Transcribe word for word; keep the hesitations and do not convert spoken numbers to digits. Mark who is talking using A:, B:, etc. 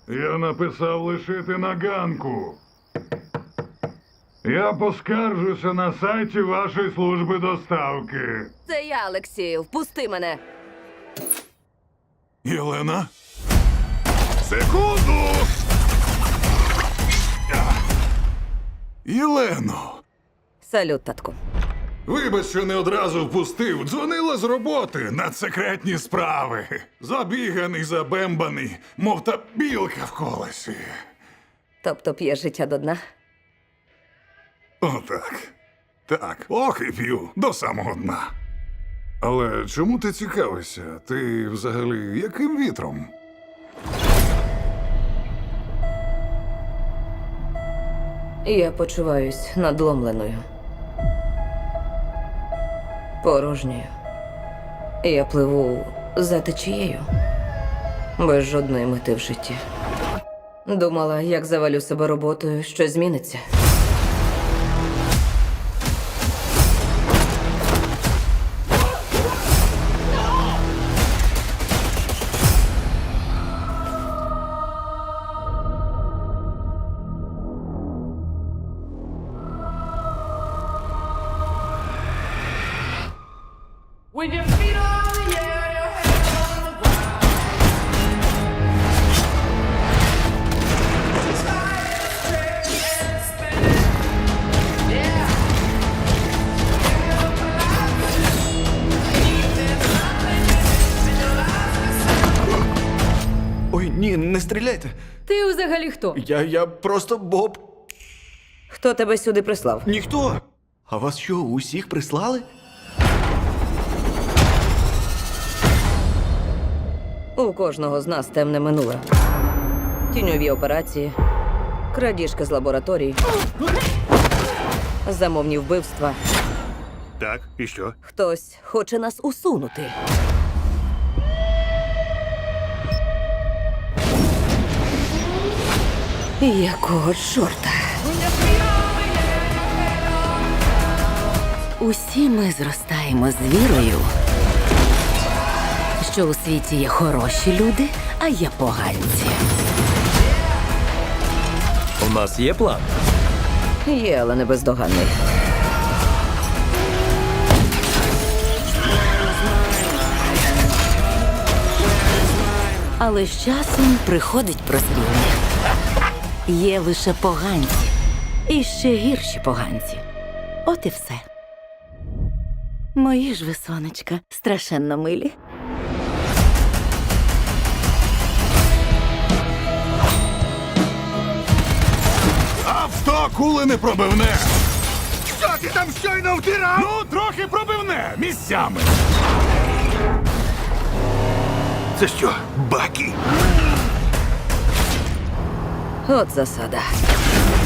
A: Я написав лишити на ганку. Я поскаржуся на сайті вашої служби доставки.
B: Це я, Олексію. Впусти мене.
A: Єлена? Секунду! Єлено!
B: Салют, татку.
A: Вибач, що не одразу впустив. Дзвонила з роботи на секретні справи. Забіганий, забембаний, мов та білка в колесі.
B: Тобто п'є життя до дна?
A: Отак. Так, ох і п'ю до самого дна. Але чому ти цікавишся? Ти взагалі яким вітром?
B: Я почуваюсь надломленою. Порожньою. Я пливу за течією. Без жодної мети в житті. Думала, як завалю себе роботою, що зміниться.
C: With your feet on the air, your hands on the ground. The sky is straight and spinning. Yeah. Give up alive. There's nothing in it, and your life is
D: Ой, ні, не стріляйте.
B: Ти взагалі хто?
D: Я, я просто Боб.
B: Хто тебе сюди прислав?
D: Ніхто. А вас що, усіх прислали?
B: У кожного з нас темне минуле. Тіньові операції, крадіжки з лабораторій, замовні вбивства.
E: Так, і що?
B: Хтось хоче нас усунути. Якого чорта?
F: Усі ми зростаємо з вірою, що у світі є хороші люди, а є поганці.
G: У нас є план.
B: Є, але не бездоганний.
F: Але з часом приходить прозріння. Є лише поганці. І ще гірші поганці. От і все. Мої ж ви, сонечка, страшенно милі.
A: Авто кули не пробивне! Що ти там щойно втирав? Ну, трохи пробивне місцями.
E: Це що, баки?
B: От засада.